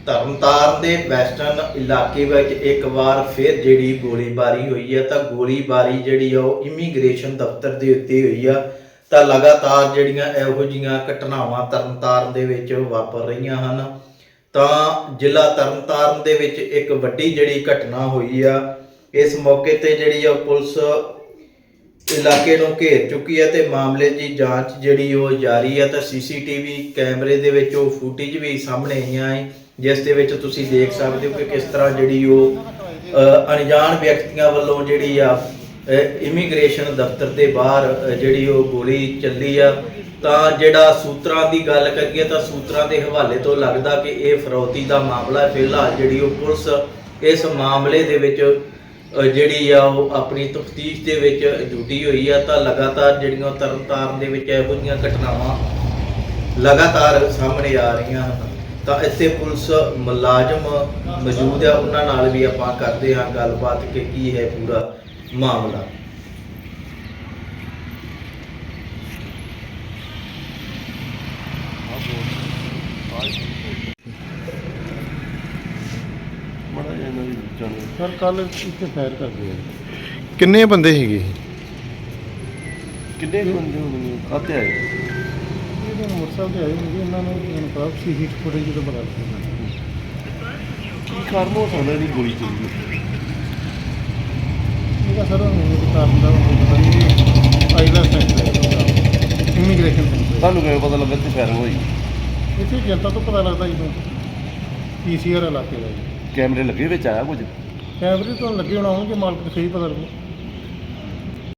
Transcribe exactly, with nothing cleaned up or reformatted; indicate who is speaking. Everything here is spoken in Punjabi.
Speaker 1: ਤਰਨਤਾਰਨ ਦੇ ਵੈਸਟਰਨ ਇਲਾਕੇ ਵਿੱਚ ਇੱਕ ਵਾਰ ਫਿਰ ਜਿਹੜੀ ਗੋਲੀਬਾਰੀ ਹੋਈ ਹੈ ਤਾਂ ਗੋਲੀਬਾਰੀ ਜਿਹੜੀ ਆ ਉਹ ਇਮੀਗ੍ਰੇਸ਼ਨ ਦਫ਼ਤਰ ਦੇ ਉੱਤੇ ਹੋਈ ਆ। ਤਾਂ ਲਗਾਤਾਰ ਜਿਹੜੀਆਂ ਇਹੋ ਜਿਹੀਆਂ ਘਟਨਾਵਾਂ ਤਰਨਤਾਰਨ ਦੇ ਵਿੱਚ ਵਾਪਰ ਰਹੀਆਂ ਹਨ। ਤਾਂ ਜ਼ਿਲ੍ਹਾ ਤਰਨਤਾਰਨ ਦੇ ਵਿੱਚ ਇੱਕ ਵੱਡੀ ਜਿਹੜੀ ਘਟਨਾ ਹੋਈ ਆ। ਇਸ ਮੌਕੇ ਤੇ ਜਿਹੜੀ ਆ ਪੁਲਿਸ ਇਲਾਕੇ ਨੂੰ ਘੇਰ ਚੁੱਕੀ ਹੈ ਤੇ ਮਾਮਲੇ ਦੀ ਜਾਂਚ ਜਿਹੜੀ ਉਹ ਜਾਰੀ ਹੈ। ਤਾਂ ਸੀਸੀਟੀਵੀ ਕੈਮਰੇ ਦੇ ਵਿੱਚ ਉਹ ਫੁਟੇਜ ਵੀ ਸਾਹਮਣੇ ਆਈਆਂ ਹੈ, ਜਿਸ ਦੇ ਵਿੱਚ ਤੁਸੀਂ ਦੇਖ ਸਕਦੇ ਹੋ ਕਿ ਕਿਸ ਤਰ੍ਹਾਂ ਜਿਹੜੀ ਉਹ ਅਣਜਾਣ ਵਿਅਕਤੀਆਂ ਵੱਲੋਂ ਜਿਹੜੀ ਆ ਇਮੀਗ੍ਰੇਸ਼ਨ ਦਫ਼ਤਰ ਦੇ ਬਾਹਰ ਜਿਹੜੀ ਉਹ ਗੋਲੀ ਚੱਲੀ ਆ। ਤਾਂ ਜਿਹੜਾ ਸੂਤਰਾਂ ਦੀ ਗੱਲ ਕਰੀਏ ਤਾਂ ਸੂਤਰਾਂ ਦੇ ਹਵਾਲੇ ਤੋਂ ਲੱਗਦਾ ਕਿ ਇਹ ਫਰੌਤੀ ਦਾ ਮਾਮਲਾ ਹੈ। ਫਿਲਹਾਲ ਜਿਹੜੀ ਉਹ ਪੁਲਿਸ ਇਸ ਮਾਮਲੇ ਦੇ ਵਿੱਚ ਜਿਹੜੀ ਆ ਉਹ ਆਪਣੀ ਤਫਤੀਸ਼ ਦੇ ਵਿੱਚ ਜੁਟੀ ਹੋਈ ਆ। ਤਾਂ ਲਗਾਤਾਰ ਜਿਹੜੀਆਂ ਤਰਨਤਾਰਨ ਦੇ ਵਿੱਚ ਇਹੋ ਜਿਹੀਆਂ ਘਟਨਾਵਾਂ ਲਗਾਤਾਰ ਸਾਹਮਣੇ ਆ ਰਹੀਆਂ ਹਨ। ਤਾਂ ਇੱਥੇ ਪੁਲਿਸ ਮੁਲਾਜ਼ਮ ਮੌਜੂਦ ਆ, ਉਹਨਾਂ ਨਾਲ ਵੀ ਆਪਾਂ ਕਰਦੇ ਹਾਂ ਗੱਲਬਾਤ ਕਿ ਕੀ ਹੈ ਪੂਰਾ ਮਾਮਲਾ।
Speaker 2: ਸਰ ਕੱਲ ਇੱਥੇ ਫਾਇਰ ਕਰਦੇ ਆ।
Speaker 3: ਕਿੰਨੇ ਬੰਦੇ ਹੈਗੇ?
Speaker 2: ਕਿੰਨੇ ਬੰਦੇ ਹੋਣਗੇ? ਆਤੇ ਆਏ ਇਹਦੇ ਮੋਟਰਸਾਈਕਲ ਤੇ ਆਏ ਹੋਣਗੇ। ਇਹਨਾਂ ਨੂੰ ਮੈਨੂੰ ਪਤਾ ਸੀਸੀ ਫੁਟੇਜ ਜਦੋਂ ਬਣਾ ਦਿੱਤੀ ਕੀ ਕਾਰਨ ਹੋ ਸਕਦਾ ਇਹਦੀ ਗੋਲੀ ਚੱਲੀ? ਇਹਦਾ ਸਰ ਮੈਨੂੰ ਕਾਰਨ ਦਾ ਪਤਾ ਨਹੀਂ। ਆਈਲਾ ਸੈਂਟਰ ਇਮੀਗ੍ਰੇਸ਼ਨ ਤੁਹਾਨੂੰ ਕਿਵੇਂ ਪਤਾ ਲੱਗਾ ਕਿ ਫਾਇਰਿੰਗ ਹੋਈ? ਇੱਥੇ ਜਨਤਾ ਤੋਂ ਪਤਾ ਲੱਗਦਾ ਜਦੋਂ ਪੀਸੀਆਰ ਇਲਾਕੇ ਦਾ ਜੀ। ਕੈਮਰੇ ਲੱਗੇ ਵਿੱਚ ਆਇਆ ਕੁਝ? ਕੈਮਰੇ ਤੋਂ ਲੱਗੇ ਹੋਣਾ ਹੋਣਗੇ, ਮਾਲਕ ਨੂੰ ਸਹੀ ਪਤਾ ਲੱਗੂ।